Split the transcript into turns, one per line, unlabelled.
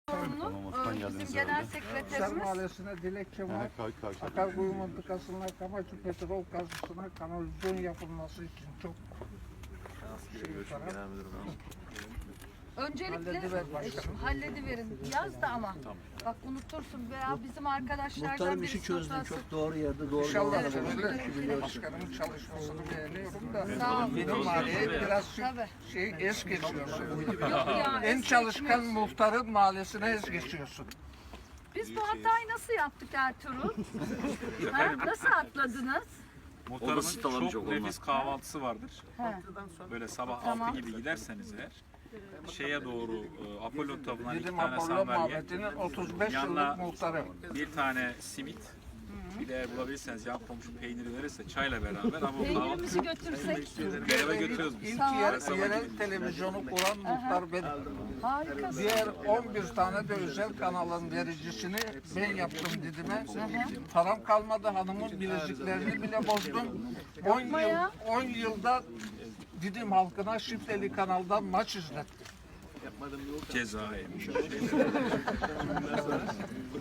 Bizim genel
Hisar
sekreterimiz.
Mahallesi'ne dilekçe var. Akarkuyu mıntıkasına, Kamaçı petrol kazısına kanalizasyon yapılması için çok para.
Öncelikle
Hallediver başkanım.
hallediverin. Yaz da ama. Bak unutursun veya bizim arkadaşlardan
Muhtarım işi
birisi
çözdün.
notasın.
Çok doğru yerde doğru
İnşallah
yolda
çözülür. Başkanımın çalışmasını beğeniyorum da.
Sağ ol.
Benim mahalleye biraz
Tabii.
es geçiyorsun.
Yok ya.
En
es
çalışkan
geçmiyorsun.
muhtarın mahallesine es geçiyorsun.
Biz bu hatayı nasıl yaptık Ertuğrul? Ha? Nasıl atladınız?
Muhtarımın çok nefis kahvaltısı vardır.
He.
Böyle sabah
Tamam.
6 gibi giderseniz eğer şeye doğru Apollon tapınağına 2
Dedim
tane
Apollo
sandalye,
muhabbetinin 35
Yanına-
yıllık muhtarı.
bir tane simit, bir de eğer bulabilirseniz yan komşu peyniri verirse çayla beraber ama o
Peynirimizi
kahvaltı
götürsek.
beraber götürüyoruz biz.
İlk
Tamam.
yerel televizyonu kuran muhtar benim.
Harikasın.
Diğer 11 tane de özel kanalın vericisini ben yaptım Didim'e. Param kalmadı, hanımın bileziklerini bile bozdum. 10 yılda Didim halkına şifreli kanaldan maç izlettim.
Ceza yemiş.